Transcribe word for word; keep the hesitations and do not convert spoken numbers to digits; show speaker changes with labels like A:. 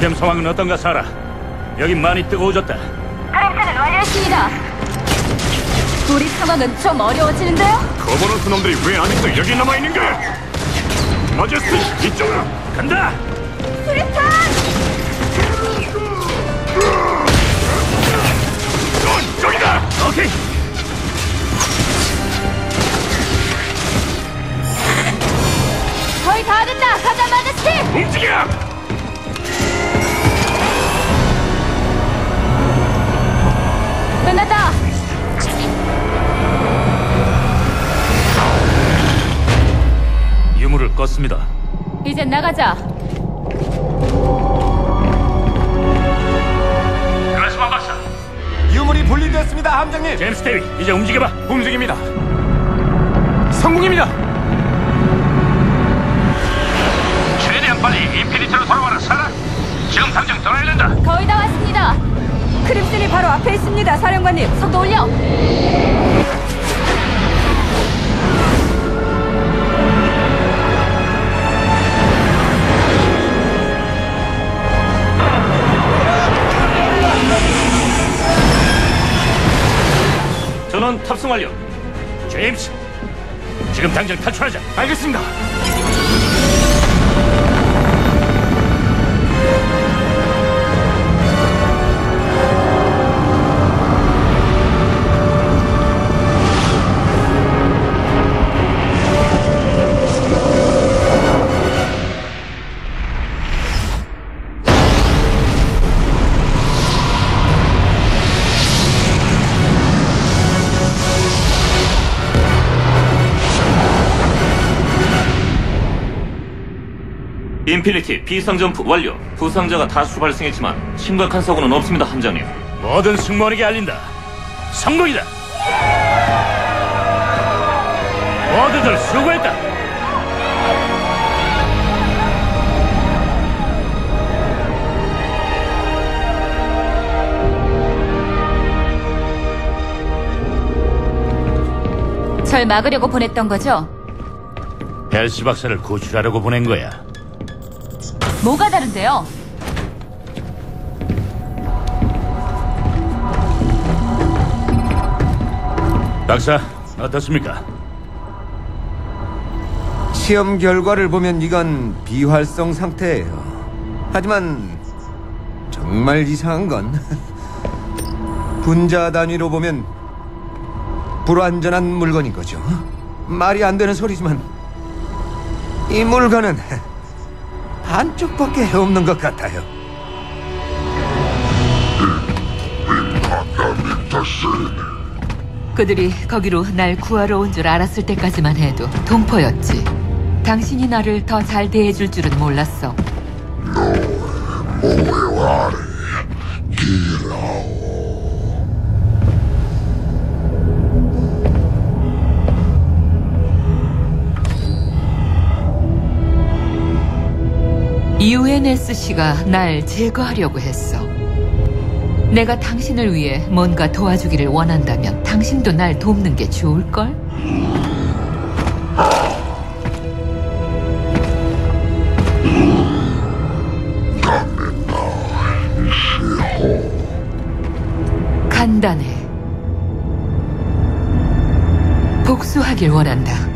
A: 전쟁 상황은 어떤가, 사라? 여긴 많이 뜨거워졌다.
B: 크림슨은 완료했습니다. 우리 상황은 좀 어려워지는데요?
A: 거버넌스 놈들이 왜 아직도 여기 남아있는 거야? 마제스티, 이쪽으로 간다!
B: 수리탄!
A: 넌 저기다! 오케이!
B: 거의 다 됐다! 가자, 마제스티!
A: 움직여!
B: 끝났다!
A: 유물을 껐습니다.
B: 이젠 나가자.
A: 그라스만 박사.
C: 유물이 분리됐습니다, 함장님.
A: 제임스 데이, 이제 움직여봐.
C: 움직입니다. 성공입니다.
A: 최대한 빨리 인피니트로 돌아와라, 사라. 지금 당장 떠나야 된다.
B: 거의 다 왔습니다. 크림슨이 바로 앞에 있습니다, 사령관님. 속도 올려.
A: 전원 탑승 완료. 제임스, 지금 당장 탈출하자.
C: 알겠습니다.
D: 인피니티 비상점프 완료. 부상자가 다수 발생했지만 심각한 사고는 없습니다, 함장님.
A: 모든 승무원에게 알린다. 성공이다. 모두들 수고했다.
B: 절 막으려고 보냈던 거죠?
A: 벨시 박사를 구출하려고 보낸 거야.
B: 뭐가 다른데요?
A: 박사, 어떻습니까?
C: 시험 결과를 보면 이건 비활성 상태예요. 하지만 정말 이상한 건 분자 단위로 보면 불완전한 물건인 거죠. 말이 안 되는 소리지만 이 물건은 한쪽밖에 없는 것 같아요.
E: 그들이 거기로 날 구하러 온 줄 알았을 때까지만 해도 동포였지. 당신이 나를 더 잘 대해줄 줄은 몰랐어. 유엔에스씨가 날 제거하려고 했어. 내가 당신을 위해 뭔가 도와주기를 원한다면 당신도 날 돕는 게 좋을걸? 간단해. 복수하길 원한다.